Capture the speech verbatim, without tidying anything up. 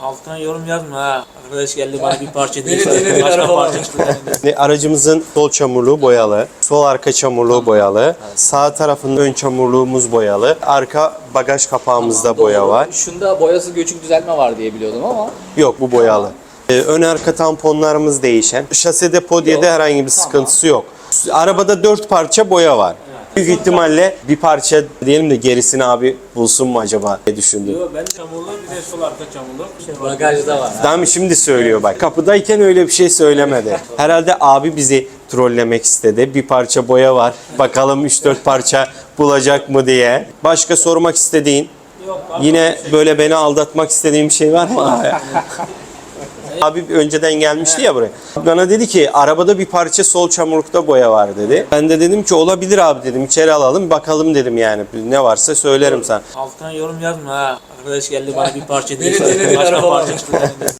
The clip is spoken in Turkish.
Altına yorum yazma ha. Arkadaş geldi bana bir parça değil. Beni dinledi, Başka araba parça var. çıktı. Aracımızın sol çamurluğu boyalı, sol arka çamurluğu boyalı, sağ tarafın ön çamurluğumuz boyalı, arka bagaj kapağımızda boya var. Şunda boyası göçük düzeltme var diye biliyordum ama. Yok, bu boyalı. Ee, ön arka tamponlarımız değişen. Şasede podyede Yok. herhangi bir Tamam. sıkıntısı yok. Arabada dört parça boya var. Büyük ihtimalle bir parça diyelim de gerisini abi bulsun mu acaba diye düşündüm. Yo, ben çamurlu bir de sol arka çamurlu. Şey var. Bagajda var. Tamam, şimdi söylüyor bak. Kapıdayken öyle bir şey söylemedi. Herhalde abi bizi trollemek istedi. Bir parça boya var. Bakalım üç dört parça bulacak mı diye. Başka sormak istediğin, Yok, abi. yine böyle beni aldatmak istediğin bir şey var mı abi? Abi önceden gelmişti ya buraya. Bana dedi ki arabada bir parça sol çamurlukta boya var dedi. Ben de dedim ki olabilir abi dedim. İçeri alalım bakalım dedim yani. Ne varsa söylerim sana. Altına yorum yazma ha. Arkadaş geldi bana bir parça değil. Beni dinledi, Başka araba var. parça çıktı.